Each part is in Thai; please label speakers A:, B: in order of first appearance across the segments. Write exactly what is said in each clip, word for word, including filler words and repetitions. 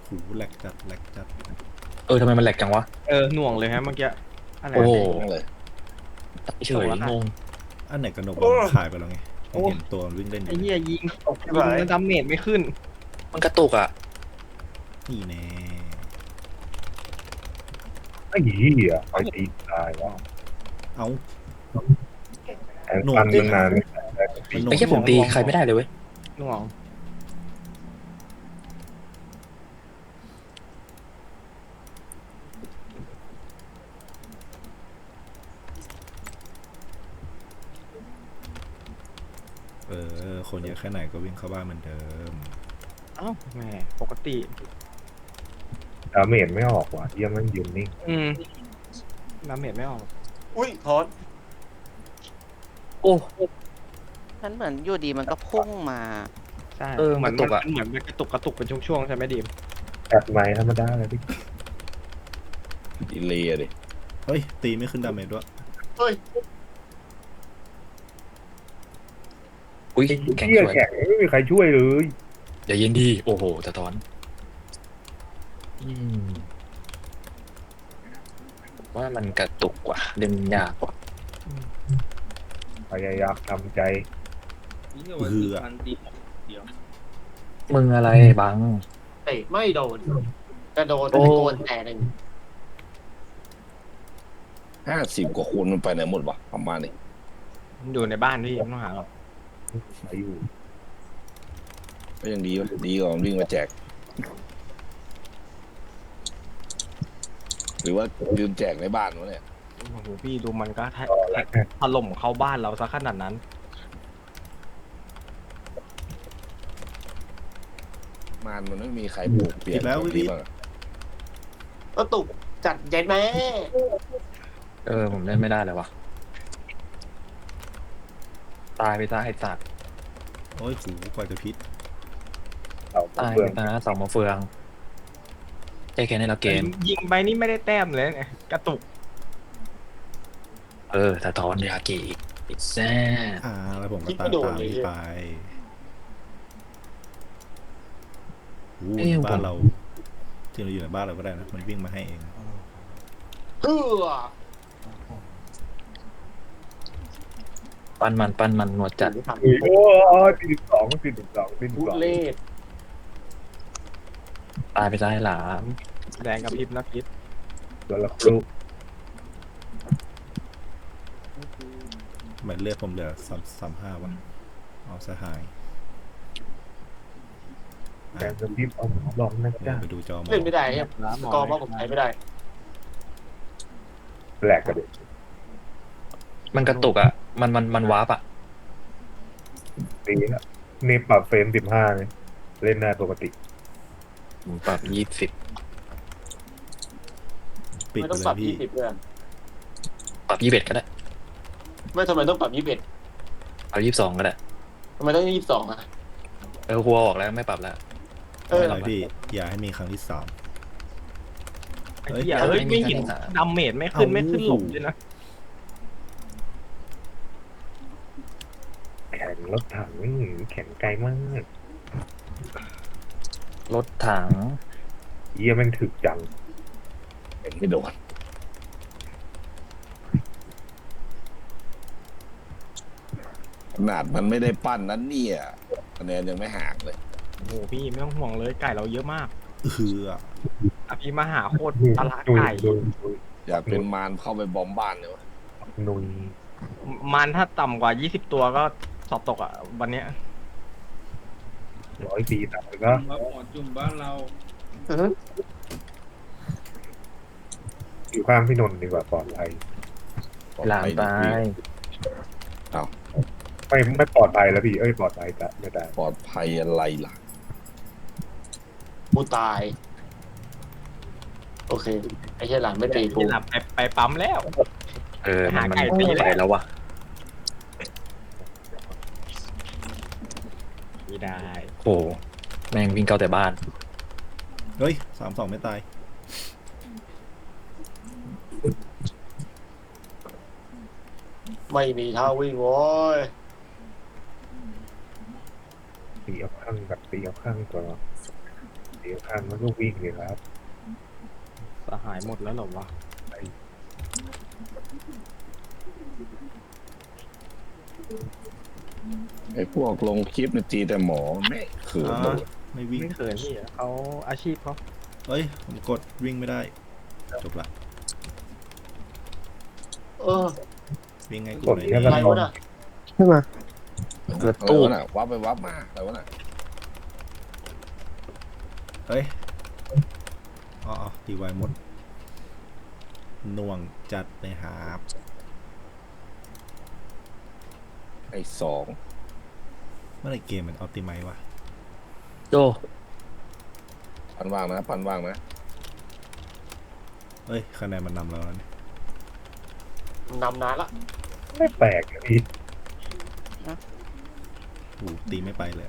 A: หูแหลกจัดแหลกจัด
B: เออทำไมมันแหลกจังวะ
C: เออหน่วงเลยฮะเมื่อกี้อะไร
B: โอ้โห
D: เลย
B: เฉยงง
A: อันไหนกระหนกมันขายไปแล้วไงผมเห็นตัวมันวิ่งเล่นอ
C: ไอ้
A: ยู่
C: เหี้ยยิงยิงแล้วดาเมจไม่ขึ้น
B: มันกระตุกอ่ะ
A: นี่แน่
E: ไอ้เหี้ยไอ้ตีตายว่ะ
A: เอ้า
E: แอนฟันมันนาน
A: มันหน
B: ไอ้แค่ผมตีใครไม่ได้เลยเว้ย
C: หน่วง
A: เออคนเยอะแค่ไหนก็วิ่งเข้าบ้านเหมือนเดิม
C: เอ้าแหมปกติ
E: ดาเมจไม่ออกว่ะเหี้ยมันยืนนิ่ง
C: อืมดาเมจไม่ออก
D: อุ้ยทอน
B: โอ้
F: มันเหมือนอยู่ดีมันก็พุ่งมา
C: ใช่
B: เออ
C: เหมือน
B: กระตุกอะ
C: มันเหมือนมันกระตุกกระตุกเป็นช่วงๆใช่ไหมดีม
E: แอดไม้ธรรมดาเลยพี่
D: ดีเลยอะดิ
A: เฮ้ยตีไม่ขึ้นดาเมจด้วย
D: เฮ้ย
B: อุ้ย
E: ไอ้
B: แข็ง
E: เหี้ย
B: สวย
E: แข็งไม่มีใครช่วยเลย
B: อย่าเย็นดีโอ้โหสะท้อนอืมผมว่ามันกระตุกกว่าเล่นยากกว่า
E: พยายามทำใจ
A: เหือ
B: มึงอะไรบัง
G: เตะไม่โดนกระโดด
B: โอ้
G: โดนแต่หนึ่ง
D: ห้าสิบกว่าคูณมันไปไหนหมดวะประมาณนี้
C: มันอยู่ในบ้านพี่ไม่ต้องหาหรอก
E: อายุ
D: ก็ยังดีวะดีกว่ามันวิ่งมาแจก หรือว่าลืมแจกในบ้านวะเนี่ย
C: โอ้โหพี่ดูมันก็แท
E: ต่อแล้ว
C: ถล่มเข้าบ้านเราซะขนาดนั้น
D: มานมันไม่มีใครปลูกเปลี่ยนแบบนี้บ้างอะ
G: ก็ตุกจัดเย็นแม่
B: เออผมเล่นไม่ได้เลยวะตายไปซะไอ้สัตว์
A: โอ้ยหูกว่าจะพิษ
E: เรา
B: ตาย
E: เพื่
B: ไป
E: อน
B: ซะนะสองมาเฟืองใจแค่ในละเกม
C: ยิงไปนี่ไม่ได้แต้มเลยเนี่ยกระตุก
B: เออสะท้อนยากิอีกแซ่
A: อ่าแล้วผมก็ตามตามพี่ไปหูบ้านเราที่เราอยู่ในบ้านเราก็ได้นะมันวิ่งมาให้เอง
G: เฮือ
B: ปั้นมันปั้นมันหนวดจัด
E: โอ้ยตีสองตีสองตี
G: ทุ
E: สอง
G: เล่
B: ตายไปซะไอ้หลาม
C: แดงกับพริบนะพิษ
E: ตัวละครู
A: หมายเลือดผมเหลือสามสามห้าวันเอาสหาย
E: แกงจะรีบเอาหมอลองนะ
A: เดี๋ย
E: จ๊ะ
A: วไปดูจอมา
G: เล่นไม่ได้ครับสกอร์เพราะผมใช้ไม่ได้
E: แปลกกันเลย
B: มันกระตุกอ่ะ มันมันมันวาร์ปอ่ะ
E: ตีนะนี่ปรับเฟรมสิบห้าเลยเล่นได้ปกติ
B: ผมปรับยี่สิบ
A: ปิด
G: ไม่
A: ไป
G: ต้อง
A: เล
G: ปรับ
A: ยพี่
G: ยี่สิบเพื่อน
B: ปรับยี่สิบเอ็ดก็ได้
G: ไม่ทำไมต้องปรับยี่สิบเอ็ด
B: ปรับยี่สิบสองก็ได้
G: ทำไมต้องยี่สิบสองอ่ะ
B: เออครัวออกแล้วไม่ปรับแล้ว
G: เออ
A: ไม่เป็นไรพี่อย่าให้มีครั้งที่สาม
C: ไอ้
A: เฮ้ย
C: เหี้ยเฮ้ยไม่เห็นดาเมจไม่ขึ้นไม่ขึ้นหลบด้วยนะ
E: แข็งรถถังแข็งไกลมาก
B: รถถัง
E: เยี่ยแม่งถึกจัง
D: เห็นไม่โดนขนาดมันไม่ได้ปั้นนั้นเนี่ยคะแนนยังไม่ห่างเลย
C: โอ้โหพี่ไม่ต้องห่วงเลยไก่เราเยอะมาก
A: เหือ
C: อภิมหาโคตรตลาด
E: นุย
C: ไก่
E: นุยนุย
D: อยากเป็นมารเข้าไปบอมบ้านเลยวะ
E: นุย
C: มันถ้าต่ำกว่ายี่สิบตัวก็สอบตกอ่ะวันเนี้ย
E: ร้อยปีต่างก็
H: มาหมอจุ่มบ้านเรา
E: อยู่ข้างพี่นนท์ดีกว่าปลอดภัย
D: ปลอด
B: หลาม
D: ภัย
B: ตาย
E: ไม่ไม่ปลอดภัยแล้วพี่เอ้ยปลอดภัยแต่ไม่ได้
D: ปลอดภัยอะไรล่ะ
G: กูตาย โอเค ไอ้เหี้ยหลังไม่ตีกู
C: ที่หลับไปไปปั๊มแล้ว
B: เออมันมัน
C: หาไก่ตี
B: ตี
C: แล้ว
B: ไปแล้ววะ
C: ไม่ได้
B: โอ้แม่งวิ่งเข้าแต่บ้าน
A: เฮ้ยสามสองไม่ตาย
G: ไม่มีท่าวิ่งโว้ย
E: ตีเอาข้างแบบตีเอาข้างตัวตีตีข้างมันก็วิ่งเลยครับ
C: สหายหมดแล้วเหรอวะ
D: ไอ้พวกลงคลิปในตีแต่หมอไม่เขิน
A: อ่า
D: เลย
A: ไม่วิ่ง
C: ไม่เขินพี่เขาอาชีพเขา
A: เอ้ยผมกดวิ่งไม่ได้จบละ
G: เออ
A: วิ่งไงกู
E: กด
A: ไหน
E: แค่
A: เนี่
E: กระ
A: ย
E: ทอน
F: ใช่ไหม
G: เกิดตู้
D: อะไรวะน่ะวับไปวับมาอะไรวะน่ะ
A: เฮ้ยอ๋ออ๋อตีไวหมดหน่วงจัดเลยหา
D: ไอ้สอง
A: เมื่อไหรเกมมันออปติไมวะ
B: โจ
D: ปันว่างนะปันว่างนะ
A: เอ้ยคะแนนมันนำเราแล้วเนี่ย
G: นำนานละ
E: ไม่แปลกนะพี่
A: โอ้ตีไม่ไปเลย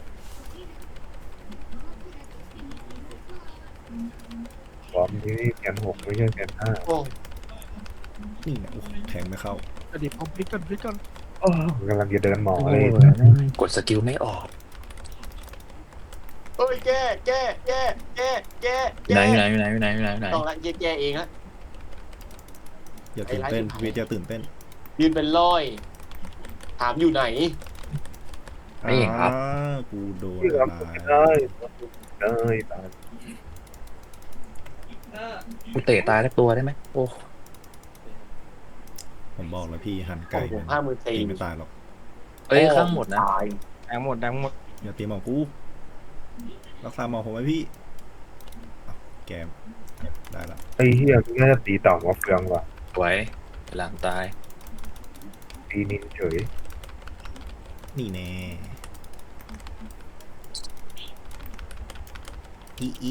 E: บอมที่นี่แกนหกไม่ใช่แกนห้า
G: โอ้
A: นี่นะโอ้โหแทงไม่เข้า
C: เดี๋ยวผมพลิกก่อนพลิกก่อน
E: อ้อกำลังจะเดินหมอเลย
B: กดสกิลไม่ออก
G: เฮ้ยแก้แก้แก้แก้แก้
B: ไหน
G: แก้
B: ไหนไหนไหนไหนไหน
G: ต้องละแก้แก้เองละ
A: อย่าตื่นเต้น
G: ไอ้ไลฟ์
A: วิทย์อย่าตื่นเต้น
G: ยืนเป็นร้อย ถามอยู่ไหน
B: ไม่เองครับ
A: อ่ากูโดน
E: ที่
A: อะ
E: เรา
A: ไร
E: ไม่ได้ได้ตาย
B: กูเตะตายสักตัวได้ไหมโอ้
A: ผมบอกแล้วพี่หันไกล
G: โอ้โห
A: มัน
G: ห้าหมื่นสี่
A: ตีไม่ตายหรอก
B: เอ้ยข้างหมดนะ
G: ตาย
C: แดงหมดแดงหมด
A: อย่าตีหมอกูรักษาหมอผมไว้พี่อ้าวแกมได้ละ
E: ไอ้เฮียน่าจะตีต่อมาเฟืองว่ะ
B: สวยหลังตาย
E: ตีนินเฉย
A: นี่แน่อีอี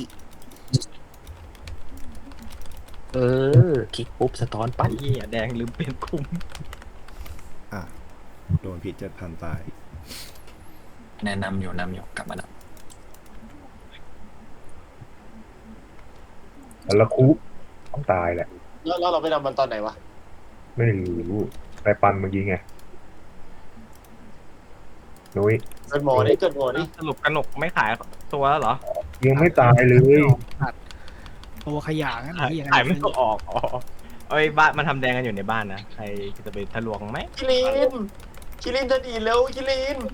B: เออคลิกปุ๊บสะท้อนปั๊บ
C: ไอ้เหี้ยแดงลืมเปลี่ยนคุม
A: อ่ะโดนพิษเจ็ดพันตาย
B: แนะนำอยู่นำอยู่กลับมาแล้ว
E: แล้วละคุต้องตายแหละ
G: แล้วแล้วเราไปนำมันตอนไหนวะ
E: ไม่รู้ไปปันเมื่อกี้ไงนุ้ย
G: เกิดหมอนี่เกิดหมอนี่
C: สรุปกระหนกไม่ขายตัวแล้วเหรอ
E: ยังไม่ตายเลย
H: ตัวขยะงั้น
C: ขาย
H: ที่ยังไง
C: ขายไม่ออกอ๋อเอ้ยบ้านมันทำแดงกันอยู่ในบ้านนะใครจะไปทะลวงไหม
G: คิรินคิรินจะดีดเร็วคิริน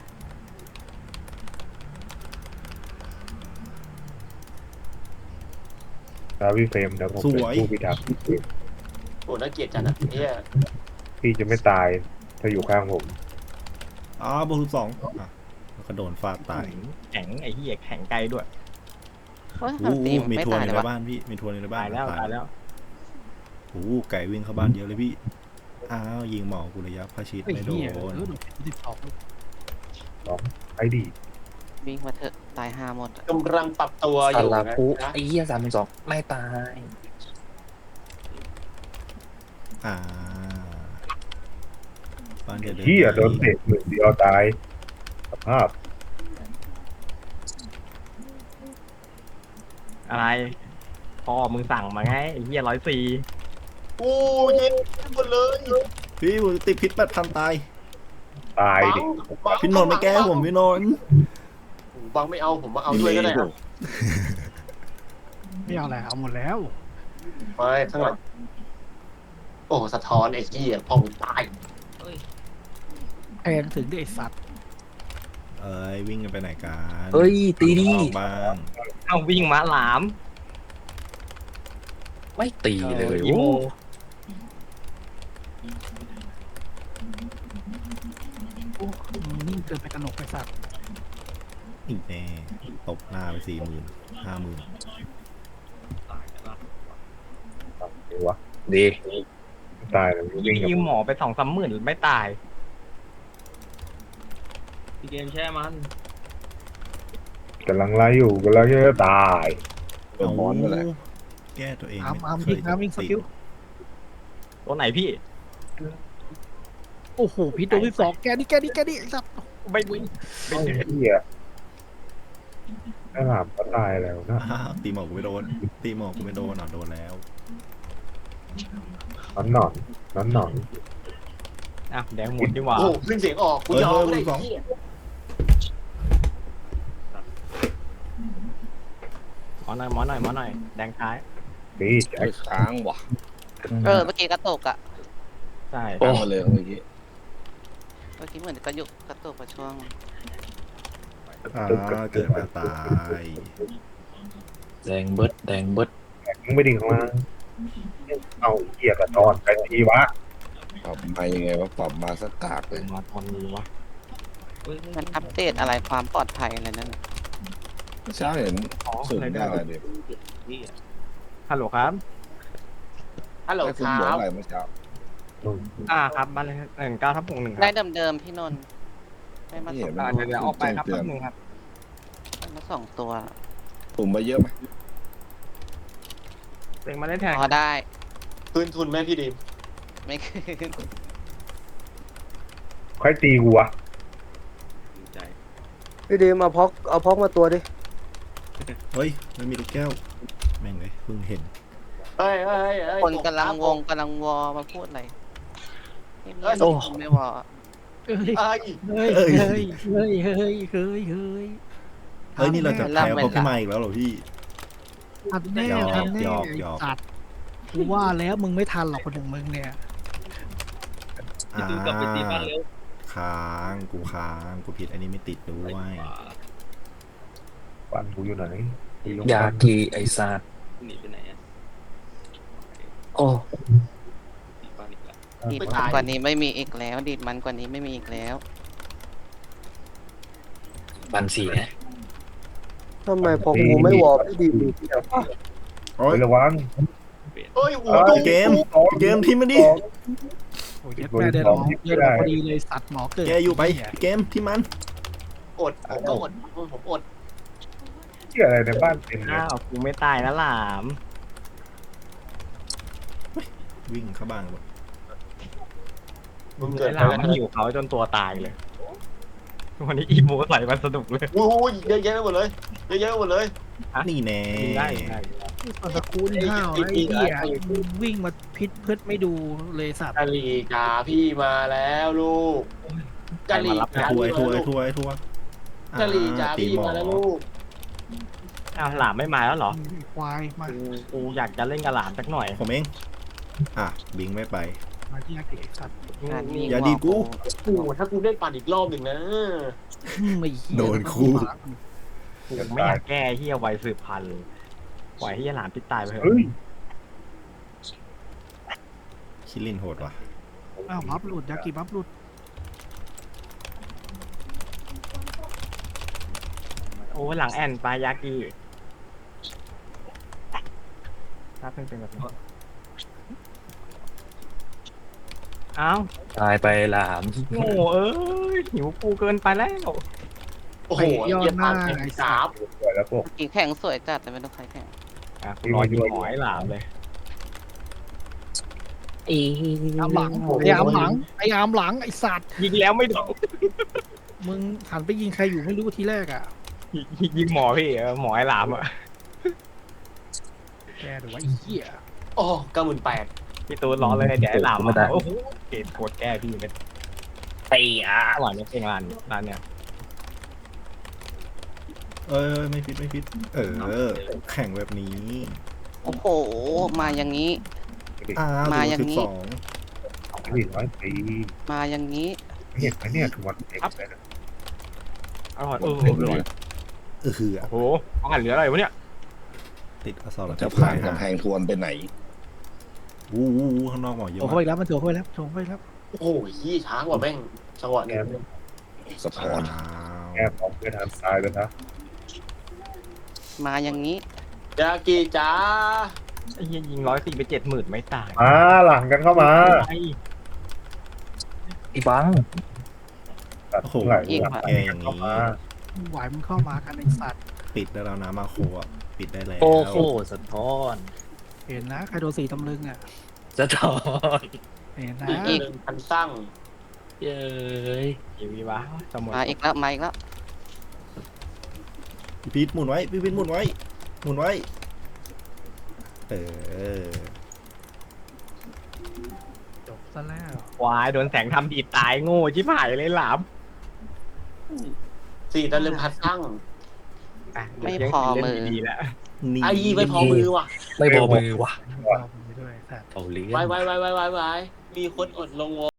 E: ดาวิเฟรมเดี๋ยวผมเป็นผู้พิทักษ์
G: โอ้น่าเกลียดจังนะเนี่ย
E: พี่จะไม่ตายถ้าอยู่ข้างผม
A: อ๋อบวกสิบสองอ่ะแล้วก็โดนฟาดตาย
C: แข็งไอ้เหี้ยแข็งไกลด้วย
F: เฮ้ย
A: โอ้
F: ทำตี
A: โหมี
F: ไม่
A: ทัวร์
F: ตาย
A: ใน
F: เลยวะ
A: บ้านพี่มีทัวร์ในบ้าน
C: ตายแล้วตายแล้ว
A: โอ้โหไก่วิ่งเข้าบ้านเยอะเลยพี่อ้าวยิงหมอกูระยะพระชิด
H: ไอ้
A: ไม่โด
H: เหี้ย
A: น
H: เออหนูสิบสอง
E: ไอ้ดี
F: วิ่งมาเถอะตายห้าหมดอะ
G: กำลังปรับตัวอ
B: ซา
G: ยู่
B: ลา
G: นะ
B: คุไอ้เหี้ยสามเป็นสองไม่ตาย
A: อ่าบ้านเดียวเดิน
E: เฮียโดนเตะหนึ่งเดียวตายสภาพ
C: อะไรพ่อมึงสั่งมาไงไอ้เหี้ยร้อยสี่
G: กูเย็นหมดเลย
A: พี่ผมติดพิษแปดพันตาย
E: ตายดิ
G: บัง
A: พี่นนท์ไม่แก้ผมพี่นนท์
G: บังไม่เอาผมมาเอาด้วยก็ได้ครับ
H: ไม่เอาอะไรเอาหมดแล้ว
G: ไปข้างหลังโอ้สะท้อนไอ้เหี้ยพ่อมึงตาย
H: แพงถึงได้ไอ้สัตว์
A: เอ้ยวิ่งกันไปไหนกัน
B: เฮ้ยตีดี
A: ออกบ้าง
C: เอาวิ่งมาหลาม
B: ไม่ตีเลย
C: อีโม
B: โอ้
H: โอ้มึงนิ่งเกินไปกระหนกไอ้สัตว์
A: อีกแน่ตบหน้าไปสี่หมื่นห้าหมื่น
E: เดี๋ยววะ
B: ดี
E: ตายแล้ววิ่งกับ
C: ยืมหมอไปสองสามหมื่นไม่ตายพี่เกมแช่มัน
E: กำลังไล่อยู่กำลังจะตาย
D: เปิดบอลไปเลย
A: แก้ตัวเอง
H: อ้าม
A: ไม่
H: อ้าม
A: เค
H: วิ่
A: ย
H: งอ้ามวิ่งส
A: ติด
H: กิล
C: ตัวไหนพี่
H: โอ้โหพี่ตัวที่สองแกนี่แกนี่แกนี่ไอ้สัตว์
C: ไม่วิ่ง
E: ไอ้เฮียไอ้หลามก็ตายแล้วนะ
A: อ้าวตีหมอกกูไม่โดนตีหมอกกูไม่โดนอ่ะโดนแล้ว
E: นอนหนอนนอนหนอน
C: อ่ะแดงหมดดีกว่า
G: โอ้ขึ้นเสียงออกกูยอมไม่ได้ไอ้เหี้ย
C: หมอหน่อยหมอหน่อยหมอหน่อยแดงท้าย
E: ดีแจ็ค
D: ค้างว่ะ
F: เออเมื่อกี้กระตกอ่ะ
C: ใช่
D: ค้างมาเลยเมื่อกี้
F: เมื่อกี้เหมือนกระยุกกระตกประช่วง
A: อ่าเกิดมาตาย
B: แดงเบิดแดงเบิด
E: มึงไม่ดิ่งข้างล่างเอาเกียร์กระตอนไปทีวะ
D: ปรับมายังไงวะปรับมาสักกากเลย
C: มาตอนนี้วะ
F: มันอัปเดตอะไรความปลอดภัยอะไรนั่นน่ะ
D: เมื่อเช้าเห็น
C: อ๋อ
D: สุด
C: เลย
D: ได้
C: ได้
D: เด็ก
C: ฮัลโหลครับ
G: ฮัลโหล
D: ให้
G: ค
D: คุณ
G: รั
D: บอก อะไรเมื่อเช้า
C: อ่าครับบ้านเลขหนึ่งเก้าทับหกหนึ่งค
F: ได้
C: รับ
F: เดิมๆพี่นนท์ได้มา
D: นี่
F: สอ
D: เห็
F: ง
D: นไหม
C: อ่าเดี๋ยวเดี๋ยวออกไปครับแป๊บนึงครับ
F: ได้มาสองตัว
D: ปุ่มมาเยอะไหม
C: เต็งมาได้แทง
F: พอได้
G: คืนทุนไหมพี่ดิม
F: ไม่คืน
E: ใครตีกูวะ
H: พี่ดีมเอาพอกเอาพอกมาตัวดิ
A: เฮ้ยไม่มีลูกแก้ว แม่งเลยเพิ่งเห็น
G: เฮ้ยเฮ้ยเฮ้ย
F: คนกำลังวงกำลังวอมาพูดอะไรเงียบๆไม่วอ
H: เอ้ย
G: เอ้ย
H: เฮ้ย
A: เอ้ย
H: เฮ้ยเฮ้ยเฮ้ยเฮ้ยเฮ้ย
A: เฮ้ยนี่เราจะแพ้เพราะพี่มาอีกแล้วเหรอพี่
H: ทันแน่
A: หยอก
H: ทันแน่
A: หยอก
H: ไอ้
A: หยอก
H: สัตว์กูว่าแล้วมึงไม่ทันหรอกคนหนึ่งมึงเนี่ย
A: อ่าค้างกูค้างกูผิดอันนี้ไม่ติดด้วย
E: ปันกูอยู่ไหนกูอยู่
B: ยากีไอซาดโอ้
F: ดีดมันกว่านี้ไม่มีอีกแล้ว ดีดมันกว่านี้ไม่มีอีกแล้ว
B: บันสี่นะ
H: ทำไมพอกูไม่วอพี่ดีม
A: โอ้ย
E: ไประวัง
G: เฮ้ยหัว
E: เอ้ย
G: ดู
A: เกมเกมทีมมันดิ
H: โอ้ยแม่ได้หรอเล่นพอดีเลยสัตว์หมอเกิด
A: แกอยู่ไปเกมที่มัน
G: อดผมก็อดผมอด
E: เกียอะไรในบ้านเต็มเลย
C: อ้าวกูไม่ตายแล้วหลาม
A: วิ่งเข้าบ้านหมด
G: มึงเกิด
C: ไอ้ห
G: อะ
C: ลาม
G: ไร
C: มัน
G: ขึ้น
C: หิวเขาจนตัวตายเลย วันนี้อีโมใส่มันสนุกเลย
G: โอ้ยเยอะแยะไปหมดเลยเยอะแยะไปหมดเลย
A: นี่แน่
C: ยิงได้ยิงได้
H: ตอนตะกูลห้าวไอ้เหี้ยวิ่งมาพิษเพื่อไม่ดูเลยสัตว์
G: กะหรี่จ๋าพี่มาแล้วลูกกะหรี่
A: ไอ้
G: จ๋า
A: ทัวร์
G: พี่
A: ไอ้ทัวร์
G: มา
A: ไอ้
G: แล้ว
A: ทัวร์ไอ้ทัวร์
G: กะหรี่จ๋า
A: ตี
G: พี่
A: หมอ
G: มาแล้วลูก
C: อ้าวหลามไม่มาแล้วเหรอ
H: ควายมา
C: กูกูอยากจะเล่นกับหลามสักหน่อย
A: ผมเอง อ่ะ บิงไม่ไป
H: มาที่อาเกะสัตว์
F: การวิ่ง
A: อย่าดีดกู
G: โอ้โหถ้ากูได้ปั่นอีกรอบหนึ่งนะ
H: ไม่เหี้ย
A: โดนคู่
C: กูไม่อยากแก้เฮียไวสืบพันธุ์เลยปล่อยเฮียหลามพิษตายไปเถ
E: เฮ้
C: อะ
E: ย
A: คิรินโหดว่ะ
H: อ้าวบัฟหลุดยากิบัฟหลุด
C: โอ้หลังแอนปลายากิถ้าเพิ่งเป็นแบบนี้เอ้า
B: ตายไปหลาม
C: โง่เอ้ยหิวกูเกินไปแล้ว
G: โอ้โหเยี่ยมมากไอ้สาม
E: สวยแล้วพวก
F: กี่แข่งสวยจัดแต่ไม่ต้องใครแข่ง
C: อ่ะกูรอยิงหอยหลามเลย
B: อี
H: อามหลังไอ้อามหลังไอ้อามหลังไอ้สัตว์
C: ยิงแล้วไม่โดน
H: มึงหันไปยิงใครอยู่ไม่รู้ทีแรกอ่ะ
C: ยิงยิงหมอพี่เออหมอไอ้หลามอ่ะ
H: แกหรือว่าไอ้เหี้ย
G: โอ้เก้าหมื่นแปด
C: พี่ตูนรอเลยเดี๋ยวไอ้หลามมาโอ้โหเกตโคตรแก้พี่เป็น
B: ตีอ่ะ
C: อร่อยเนี่ยเพลงร้านร้านเนี่ย
A: เอ้ยไม่ฟิตไม่ฟิต เออ แข่งแบบนี้
F: โอ้โห มาอย่างนี้
A: อ่า
F: มา
A: มา
F: อย่างนี้
A: สอง
E: นี่ร้อยปี
F: มาอย่างนี้
E: เห็นไหมเนี่ยทุกวันเอ็กซ์เลยนะ
C: อร่อยเออ
D: เด็ก
C: อร่อย
A: เออคืออ่ะ
C: โอ้โหอาหารเหลืออะไรวะเนี่ย
A: ติดอสร
D: จะผ่านกำแพงทวนไปไหน
A: วู้วู้วู้ข้างนอกหมอเย
H: โถ
A: อะ
H: เข้าไป
A: มาก
H: แล้วมันโถเข้าไปแล้วโถเข้าไปแล้ว
G: โอ้โหยี่ช้ากว่าแม่งจังหวะ
E: แก
G: นี้
D: สะท้อน
A: ว้าว
E: แกพร้อมเพื่อนทางซ้ายเลยนะ
F: มาอย่างนี้
G: ยากิจ๋า
C: ไอ้เหี้ยยิงร้อยสี่ไปเจ็ดหมื่นไม่ตาย
E: มาหลังกันเข้ามา
C: ไอ้
B: อีบัง
E: ตัด
A: โอ้โห
E: ไหล
F: อีก
E: หลัง
A: แกอย่าง
E: เข้า
A: นี้
E: มา
H: ไหวมึงเข้ามากันไอ้สัตว์
A: ปิดได้แล้วนะมาโคอ่ะ ปิดได้แล้ว
B: โอ้โหสะท้อน
H: เห็นนะใครโดนสีตำลึงอ่ะ
B: สะท้อน
H: เห็นนะ
F: อีก
G: หนึ่งพันตั้ง
B: เย้ย
C: ยีวีวะสมุน
F: มาอีกแล้วมาอีกแล้ว
A: พี่พีทหมุนไว้ พี่พีทหมุนไว้ หมุนไว้ เออ
H: จบซะแล้ว
C: ควายโดนแสงทำดีดตายโง่ชิบหายเลยหลาม
G: สี่ตะลึงพันตั้ง
C: อ่ะ
F: ไม่
C: เดี๋ยว
F: พอ
C: เล่น
F: มือ
C: ดีๆแล้ว
A: นี่
G: ไอ้ยี่ไม่พอมือว่ะ
B: ไม่พอมือว่ะ
H: บอกผมไปด้วยสัตว์
B: เอาเลี้ย
G: ไว้ไว้ไว้ไว้ไว้ไว้มีคนอดลงวอ